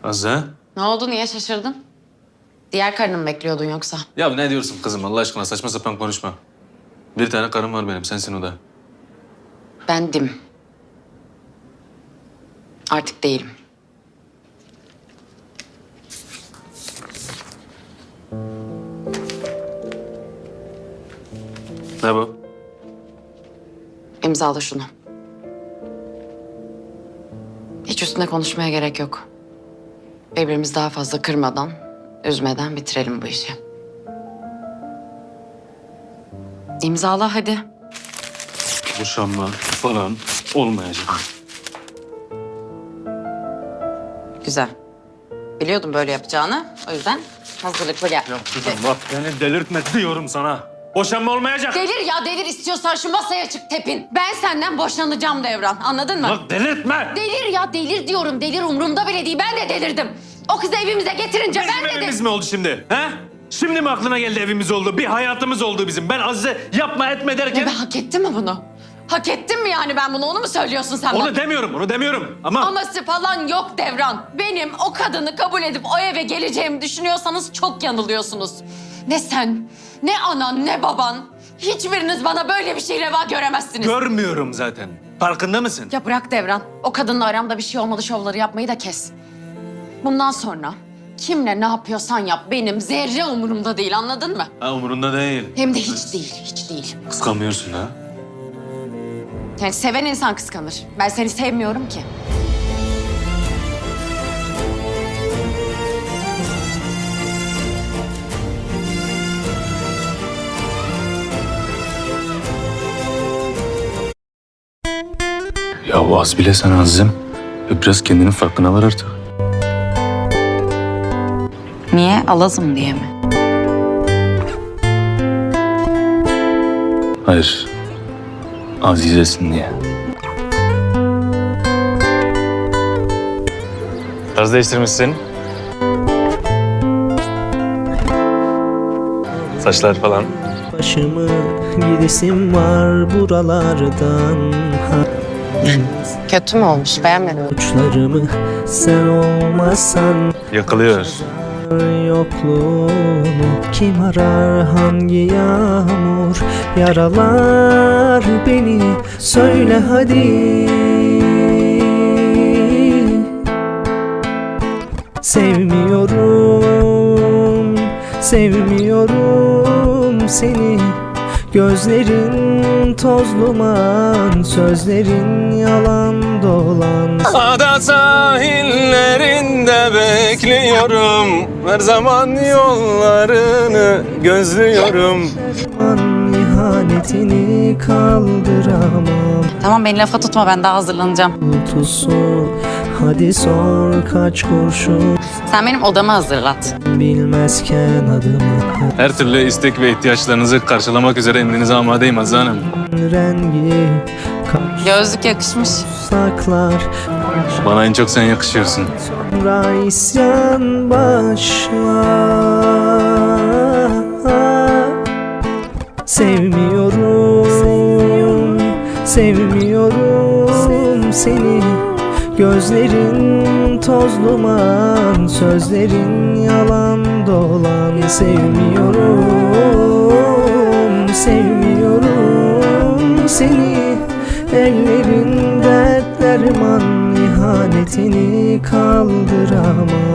Azze? Ne oldu? Niye şaşırdın? Diğer karını mı bekliyordun yoksa? Ya ne diyorsun kızım Allah aşkına saçma sapan konuşma. Bir tane karım var benim, sensin o da. Bendim. Artık değilim. Ne bu? İmzala şunu. Hiç üstüne konuşmaya gerek yok. Birbirimizi daha fazla kırmadan, üzmeden bitirelim bu işi. İmzala hadi. Boşanma falan olmayacak. Güzel. Biliyordum böyle yapacağını. O yüzden hazırlıklı gel. Ya kızım bak beni delirtme diyorum sana. Boşanma olmayacak. Delir ya delir, istiyorsan şu masaya çık tepin. Ben senden boşanacağım Devran, anladın mı? Bak delirtme. Delir ya delir diyorum, delir umurumda bile değil. Ben de delirdim. O kızı evimize getirince Bizim ben de evimiz mi oldu şimdi? He? Şimdi mi aklına geldi evimiz oldu? Bir hayatımız oldu bizim. Ben Azize yapma etme derken... Ya ben hak ettim mi bunu? Hak ettim mi yani ben bunu? Onu mu söylüyorsun sen bana? Onu demiyorum ama... Aması falan yok Devran. Benim o kadını kabul edip o eve geleceğimi düşünüyorsanız çok yanılıyorsunuz. Ne sen, ne anan, ne baban. Hiçbiriniz bana böyle bir şey reva göremezsiniz. Görmüyorum zaten. Farkında mısın? Ya bırak Devran. O kadınla aramda bir şey olmadı şovları yapmayı da kes. Bundan sonra kimle ne yapıyorsan yap. Benim zerre umurumda değil, anladın mı? Ha, umurunda değil. Hem de hiç değil, hiç değil. Kıskanmıyorsun ha? Yani seven insan kıskanır. Ben seni sevmiyorum ki. Ya bu az bile sana Aziz'im. Biraz kendinin farkına var artık. Niye? Alazım diye mi? Hayır. Azizesin diye. Tarz değiştirmişsin. Saçlar falan. Başımı gidesim var buralardan. Kötü mü olmuş? Beğenmedim. Uçlarımı sen olmasan Yakılıyor. yokluğunu kim arar, hangi yağmur yaralar beni, söyle hadi. Sevmiyorum, sevmiyorum seni. Gözlerin toz duman, sözlerin yalan dolan. Ada sahillerinde bekliyorum. Her zaman yollarını gözlüyorum. An ihanetini kaldıramam. Tamam beni lafa tutma, ben daha hazırlanacağım. Tutusu hadi sor kaç kurşun, Sen benim odamı hazırlat. bilmezken adımı. Her türlü istek ve ihtiyaçlarınızı karşılamak üzere emrinize amadeyim Azize Hanım. Rengi kaç Gözlük yakışmış. saklar, Bana en çok sen yakışıyorsun. sonra isyan başlar. Sevmiyorum, sevmiyorum seni. Gözlerin toz duman, sözlerin yalan dolan. Sevmiyorum, sevmiyorum seni. Ellerin dert derman, ihanetini kaldıramam.